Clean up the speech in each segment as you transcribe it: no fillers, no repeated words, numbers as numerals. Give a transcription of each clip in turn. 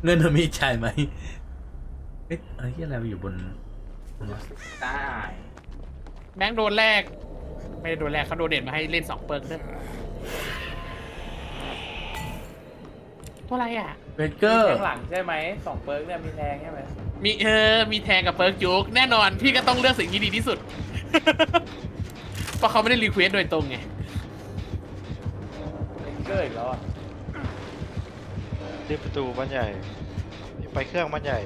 เงินมันมีจ่ายไหมเอ๊ะอะไรที่อะไรอยู่บนได้แบงค์โดนแรกไม่ได้โดนแรกเขาโดนเด่นมาให้เล่น2 เปิร์กด้วยตัวอะไรอ่ะเบเกอร์แทงหลังใช่ไหม2 เปิร์กเนี่ยมีแทงใช่ไหมมีแทงกับเปิร์กจุกแน่นอนพี่ก็ต้องเลือกสิ่งที่ดีที่สุด เพราะเขาไม่ได้รีเควสโดยตรงไงเกอร์อีกแล้วอ่ะรีบประตูบ้านใหญ่ไปเครื่องบ้านใหญ่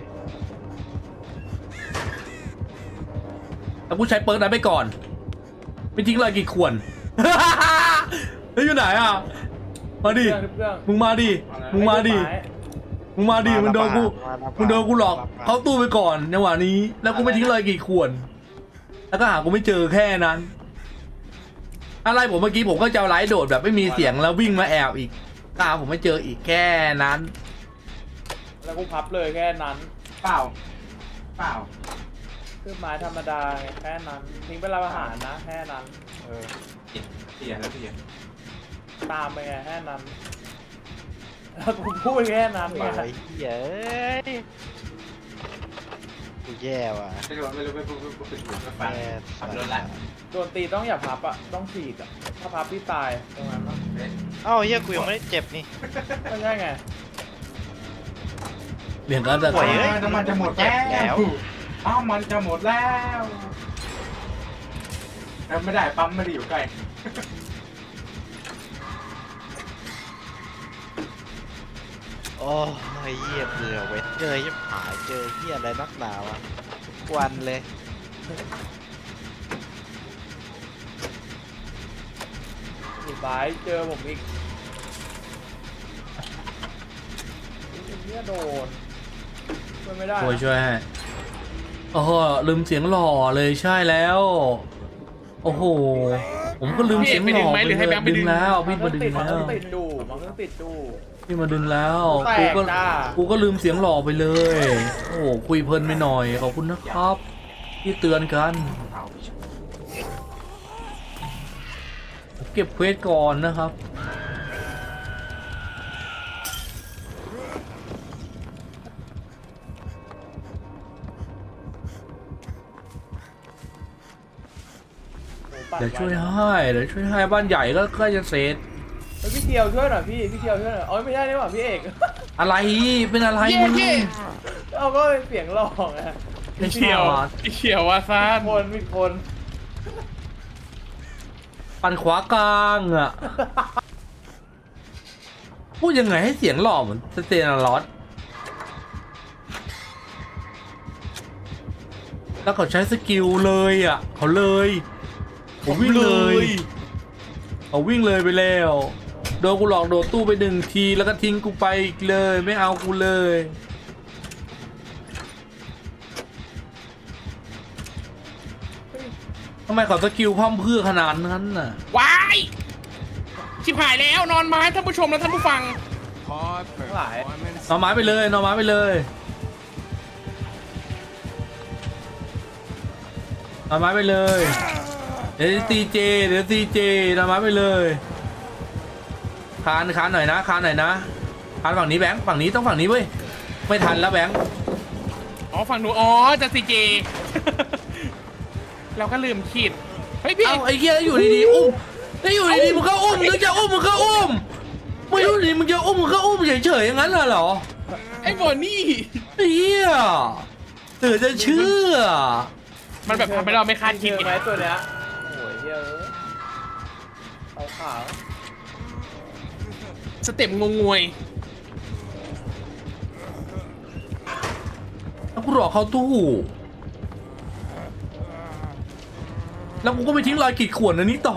แล้วกูใช้เปิร์กนั้นไปก่อนไม่ทิ้งเลยกี่ขวด เฮ้ยอยู่ไหนอ่ะมาดิมึงมาดิมึงมาดิมึงมาดิมึงโดนกูหลอกเขาตู้ไปก่อนในวันนี้แล้วกูไม่ทิ้งเลยกี่ขวดแล้วก็หากูไม่เจอแค่นั้นอะไรผมเมื่อกี้ผมก็จะไลฟ์โดดแบบไม่มีเสียงแล้ววิ่งมาแอบอีกก็หาผมไม่เจออีกแค่นั้นแล้วกูพับเลยแค่นั้นเปล่าคือไม้ธรรมดาไงแค่นั้นทิ้งไปรับอาหารนะแค่นั้นเสียแล้วเสียตามไปไงแค่นั้นแล้วกูพูดแค่นั้นไปไงเย้ยกูแย่ว่ะไม่รู้ไม่ฝึกไม่ฟันแย่ขับรถละโดนตีต้องอย่าพับอ่ะต้องฉีกอ่ะถ้าพับพี่ตายตรงนั้นนะเอ้าเฮียกูยังไม่ได้เจ็บนี่ไม่ใช่ไงเรียงกันแต่ป่วยเอ้ยน้ำมันจะหมดแล้วอ้าวมันจะหมดแล้วแล้วไม่ได้ปั๊มไม่ได้อยู่ใกล้โอ้ยเฮียเบื่อเว้ยเจอยิ่งหายเจอเฮียอะไรนักหนาวะทุกวันเลยอีกบายเจอผมอีกเนี่ยโดนช่วยไม่ได้นะช่วยให้โอ้โหลืมเสียงหล่อเลยใช่แล้วโอ้โหผมก็ลืมเสียงหล่อไปเลยดึงแล้วพี่มาดึงมันแล้วต้องติดดูมันต้องติดดูพี่มาดึงแล้วแตกูกก็จ้ากูก็ลืมเสียงหล่อไปเลยโอ้โหคุยเพลินไปหน่อยขอบคุณนะครับที่เตือนกันเก็บเควสก่อนนะครับเดี๋ยวช่วยให้บ้านใหญ่ก็ใกล้จะเสร็จแล้วพี่เกียวช่วยหน่อยพี่เกียวช่วยหน่อยอ๋อไม่ใช่นี่หว่าพี่เอกอะไรเป็นอะไรเย่มึงเย่เอาก็เสียงหลอกไงไม่เขียวใช่เขียวว่าซ่านมีคนปั่นขวากลางอ่ะ พูดยังไงให้เสียงหล่อเหมือนสเตนลอสแล้วเขาใช้สกิลเลยอ่ะเขาเลยผมวิ่งเลยเขาวิ่งเลยไปแล้วโดนกูหลอกโดดตู้ไป1 ทีแล้วก็ทิ้งกูไปอีกเลยไม่เอากูเลยทำไมเขาสกิลพร่ำเพรื่อขนาดนั้นน่ะวายชิบหายแล้วนอนไม้ท่านผู้ชมและท่านผู้ฟังทั้งหลายนอนไม้ไปเลยนอนไม้ไปเลยนอนไม้ไปเลยเดี๋ยวตีเจนอนไม้ไปเลยคานหน่อยนะคานฝั่งนี้แบงค์ฝั่งนี้ต้องฝั่งนี้เว้ยไม่ทันแล้วแบงค์อ๋อฝั่งหนูอ๋อจะซีเจ เราก็ลืมขีดเฮ้ยพี่เอ้าไอ้เหี้ยอยู่ดีๆอุ้มแล้วอยู่ดีๆมึงก็อุ้มนึกจะอุ้มมึงก็อุ้มไม่รู้ดิมึงจะอุ้มมึงก็อุ้มเฉยๆอย่างนั้นเหรอไอ้บอนี่ไอ้เหี้ยเตือจะเชื่อมันแบบทำให้เราไม่คาดคิดเจอไหมไงตัวเนี้ยโอ้ยเยอะขาวสเต็ปงงงวยแล้วกูหลอกเขาตู้แล้วกูก็ไปทิ้งรอยขีดข่วนอันนี้ต่อ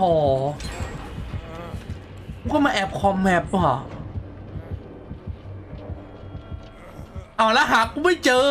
กูก็มาแอบคอมแมปว่ะเอาแล้วหากูไม่เจอ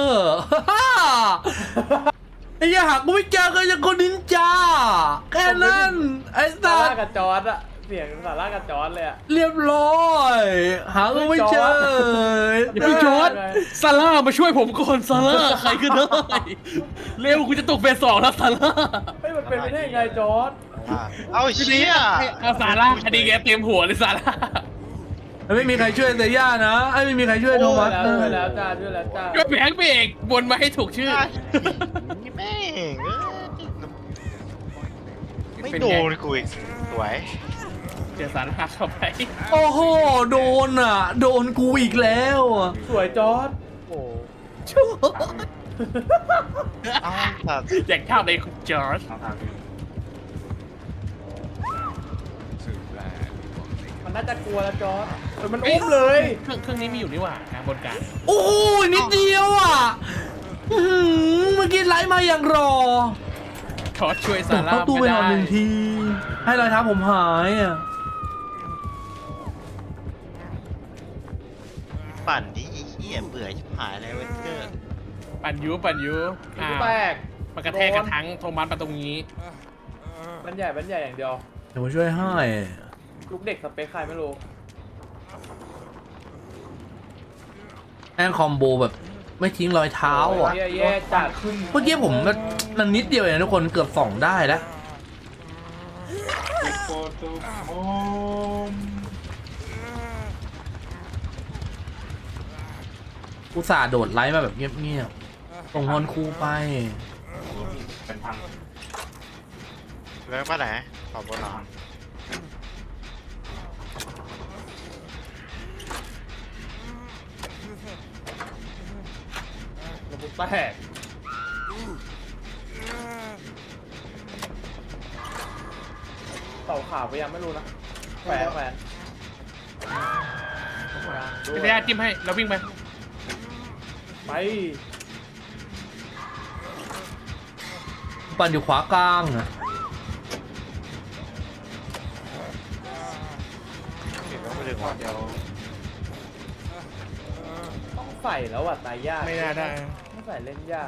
ไอ้เหี้ยหากูไม่เจอก็ยังคนนินจาแค่นั้นไอ้ซาสัร่าสกับจอร์ดอะเสียงซาร่ากับจอร์ดเลยอะเรียบร้อยหากูไม่เจออย่าเพิ่งจอดซาร่ามาช่วยผมก่อนซาร่าใครก็ได้เร็วกูจะตกเฟส 2แล้วซาร่าเฮ้ยมันเป็นไปได้ยังไงจอร์ดเอาเชี่ยเอาซาร่าคดีแกเต็มหัวเลยซาร่าไม่มีใครช่วยเซย่านะไอ้ไม่มีใครช่วยโทมัสช่วยนะแล้วจ้าช่วยแล้วจ้าก็แบงค์พี่เอกวนมาให้ถูกชื่อนี่แม่งไม่เป็นโดไงนกูอีกสวยเจอสารหักเข้าไปโอ้โหโดนอ่ะโดนกูอีกแล้วอ่ะสวยจอร์ดโอ้ชั่วเอ้าสัตว์อย่างเท่าในคุณจอร์จเอาทางมันน่าจะกลัวแล้วจอร์ดมันอุ้มเลยเครื่องนี้มีอยู่นี่หว่าบนกลางโอ้ยนิดเดียวอ่ะอื้อหือเมื่อกี้ไลฟ์มาอย่างรอจอร์จช่วยตซาก ร่าเข้าตู้ไปไม่นอนได้หนึ่งที ให้รอยเท้าผมหายอ่ะปั่นที่ไอ้เหี้ยเบื่อชิบหายเลยเวนเกอร์ปั่นยูอ้าวแตกมันกระแทกกระทั้งโทมัสมาตรงนี้บันใหญ่อย่างเดียวเดี๋ยวมาช่วยให้ลูกเด็กสเปคใครไม่รู้แองคอมโบแบบไม่ทิ้งรอยเท้าอ่ะแย่จัดขึ้นเมื่อกี้ผมมันนิดเดียวเองทุกคนเกือบ2ได้แล้วโฟโต้โอมอุตส่าห์โดดไลฟ์มาแบบเงียบๆส่งฮอนคูไปเป็นพังแล้วป้าไหนขอบบนหนอนระบุแตกเต่าขาวไปยังไม่รู้นะแขวนพี่เซย่าจิ้มให้แล้ววิ่งไปไปปั่นอยู่ขวากลางอ่ะเห็นว่าไม่ถึงวันเดียวต้องใส่แล้วอ่ะตายยากไม่น่าได้ต้องใส่เล่นยาก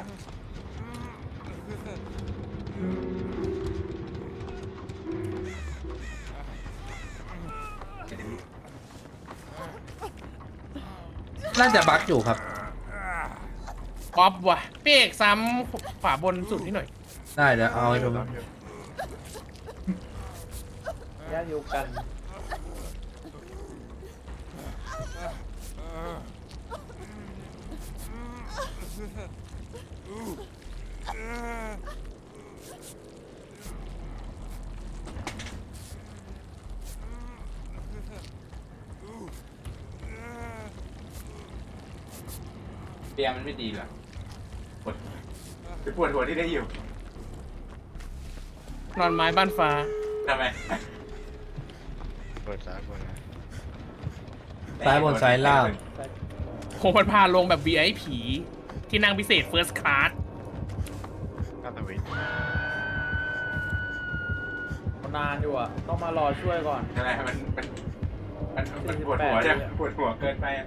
น่าจะบั๊กอยู่ครับป๊อปว่ะพี่เอกซ้ำขวาบนสุดที่หน่อยได้เดี๋ยวเอาให้ดูยากอยู่กันเตียงมันไม่ดีเหรอปวดหัวที่ได้อยู่นอนไม้บ้านฟ้าทำไมเปิดซ้ายบนนะซ้ายบนซ้ายล่างคงมันพาลงแบบ VIP ที่นั่งพิเศษ First Class ก้าตวินนานอยู่อ่ะ ต้องมารอช่วยก่อนทำไมมันปวดหัวใช่ปวดหัวเกินไป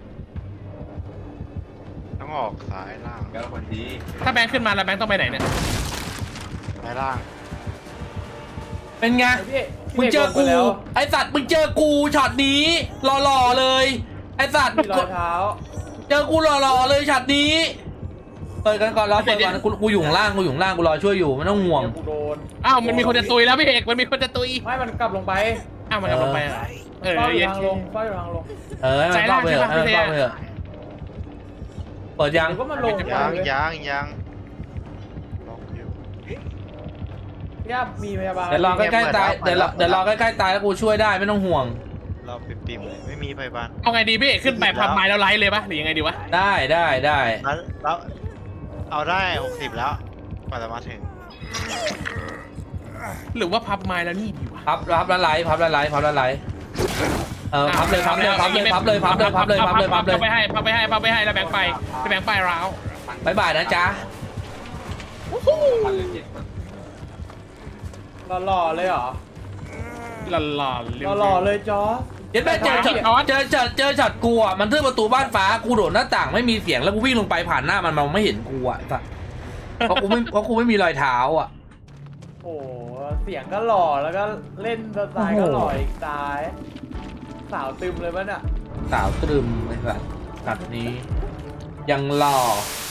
ต้องออกซ้ายล่างก็คนดีถ้าแบงค์ขึ้นมาแล้วแบงค์ต้องไปไหนเนี่ยซ้ายล่างเป็นไงพี่มึงเจอกูแล้วไอสัตว์มึงเจอกูช็อตนี้หล่อๆเลยไอสัตว์มีรอยเท้าเจอกูหล่อๆเลยช็อตนี้เปิดกันก่อนรอเปิดก่อนกูอยู่ข้างล่างกูอยู่ข้างล่างกูรอช่วยอยู่ไม่ต้องห่วงเดี๋ยวกูโดนอ้าวมันมีคนจะตุยแล้วพี่เอกมันมีคนจะตุยไม่มันกลับลงไปอ้าวมันกำลังไปเหรอเออเฝ้าอยู่เย็นทางลงเฝ้าอยู่ทางลงเออให้มันเข้าไปเถอะให้มันเข้าไปเถอะเปิดยังหรือว่ามันลงไปยังเลยยังล็อกอยู่ย่ามีพยาบาลเดี๋ยวรอใกล้ๆตายเดี๋ยวรอใกล้ๆตายแล้วกูช่วยได้ไม่ต้องห่วงเราปิ่มๆเลยไม่มีไฟบ้านเอาไงดีพี่เอกขึ้นไปพับไม้แล้วไลฟ์เลยปะหรือยังไงดีวะได้แล้วเอาได้ 60 แล้วกว่าจะมาถึงหรือว่าพับไม้แล้วนี่ดีวะพับแล้วไลฟ์เออพับเลยพับเลยไปให้แล้วแบงค์ไปแล้วแบงค์ไปร้าวบายบายนะจ๊ะพันเลยจิตหล่อๆเลยเหรอหล่อหล่อหล่อๆเลยจอร์จเดี๋ยวแม่เจอช็อตกูอ่ะมันทึ่ประตูบ้านฟ้ากูโดดหน้าต่างไม่มีเสียงแล้วกูวิ่งลงไปผ่านหน้ามันไม่เห็นกูอ่ะเพราะกูไม่มีรอยเท้าอ่ะโอ้โหเสียงก็หล่อแล้วก็เล่นสไตล์ก็หล่ออีกตาย สาวตึมเลยมั้ยน่ะสาวตรึมไอ้สัตว์นี้ยังหล่อ